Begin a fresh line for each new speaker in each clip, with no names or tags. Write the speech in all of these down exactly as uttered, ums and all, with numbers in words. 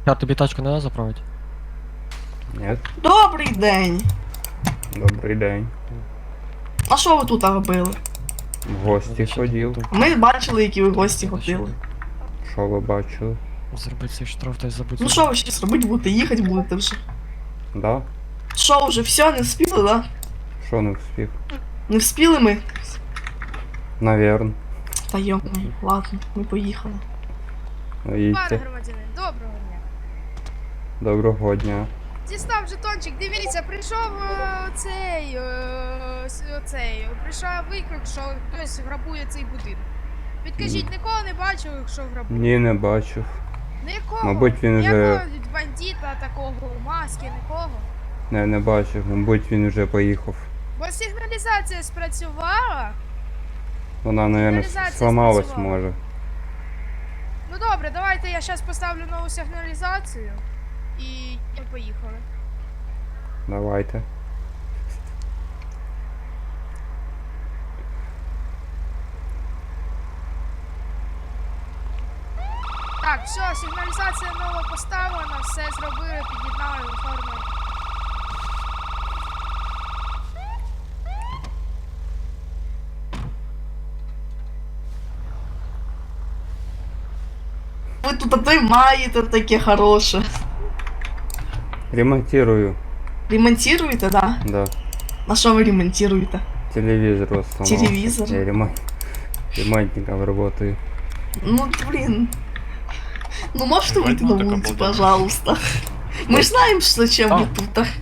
Я тобі тачку не треба заправити?
Нет.
Добрий день.
Добрий день.
А що ви тут робили?
В гості ходив.
Ми бачили, які ви гості ходили.
Що ви бачили?
Зробити цей штраф та й забути.
Ну що ви щось робити будете? Їхати будете вже.
Да?
Що вже, все, не вспіли, да?
Що не встиг?
Не вспіли ми?
Наверно.
Та йомай, ладно, ми поїхали.
Ну,
Пане
їдьте.
громадянин, доброго дня.
Доброго дня.
Дістав жетончик, дивіться, прийшов е, цей, е, с- оцей, прийшов виклик, що хтось грабує цей будинок. Підкажіть, нікого не бачив, якщо грабує?
Ні, не бачив.
Нікого?
Мабуть, він вже-
Ніякого бандита такого у маски, нікого?
Не, не бачив. Мабуть, він вже поїхав.
Бо сигналізація спрацювала.
Вона, наверное,
Сигналізація
сломалась,
спрацювала.
може.
Ну добре, давайте я зараз поставлю нову сигналізацію. І ми поїхали.
Давайте.
Так, все, сигналізація нова поставлена, все зробили, під'єднали, оформили.
Ви тут а то й маєте таке хороше.
Ремонтирую.
Ремонтуєте, да?
Да.
А що ви ремонтуєте?
Телевизор вот сломался.
Телевизор?
Я ремонт... ремонтником работаю.
Ну, блин. Ну, можете выйти на
Ремонтник
улицу,
обалденный.
пожалуйста? Мы ж знаем, что зачем вы тут. а.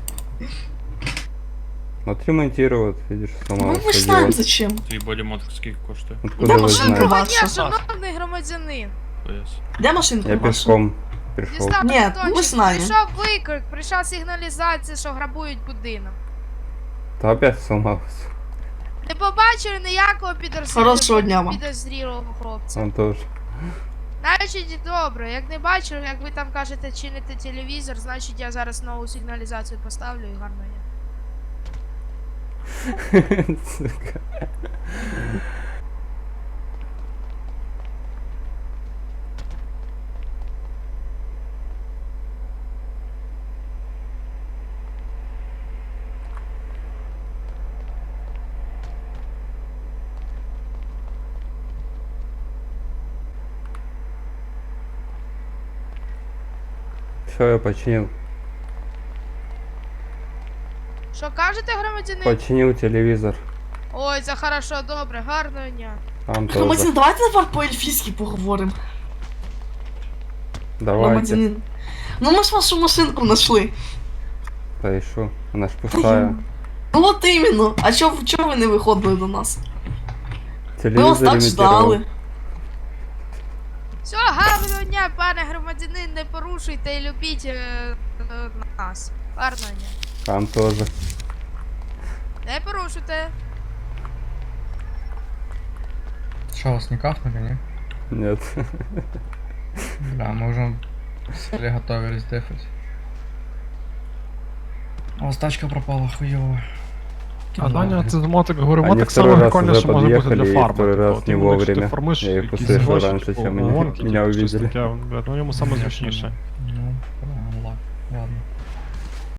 Вот ремонтировать, видишь,
Ну,
сломался.
мы ж знаем,
делать.
зачем.
Твій бодімод скільки коштує?
Откуда
Да,
вы
машинка
знаете?
ваша.
Доброго дня, шановний громадянин.
Пояс.
Где машинка
Я
ваша?
пешком пришел.
Дістав
Ні,
жетончик,
ми знаємо.
прийшов виклик, прийшла сигналізація, що грабують будинок.
То опять сломался.
Не побачили ніякого підозрілого,
Хорошого дня вам.
підозрілого хлопця.
Он тоже.
Значить, добре, як не бачили, як ви там кажете, чините телевізор, значить я зараз нову сигналізацію поставлю і гарно є.
Сука. Все, я починил.
Що кажете, громадянин?
Починил телевизор.
Ой, це хорошо, добре, гарного дня.
Там тоже.
Громадянин, давайте тепер по-ельфійськи поговоримо.
Давайте.
Громадянин. Ну ми ж вашу машинку знайшли.
Да и шо? Она ж пустая.
Ну от іменно. А чого чо ви не виходили до нас? Ми вас
Телевизор
так
ремонтировал.
ждали.
Все, гарного дня, пане громадянин, не порушуйте і любіть е, е, нас. Гарного дня.
Там тоже.
Не порушуйте.
Что, вас не кахнули, не?
Нет.
Да, мы уже сели, готовились дефать. А у вас тачка пропала, хуёво.
А Даня, це мотик говоримо,
Они
так
второй
само
раз
прикольно,
уже
що може бути
подъехали,
для
и
фарми.
второй
типу,
раз
от
не
іменно, якщо ти
вовремя.
фармиш
Я их
якісь
услышал
гроші,
раньше,
типу,
чем они
гонки,
меня
типу, щось
увидели.
таке, блядь, ну йому саме зручніше.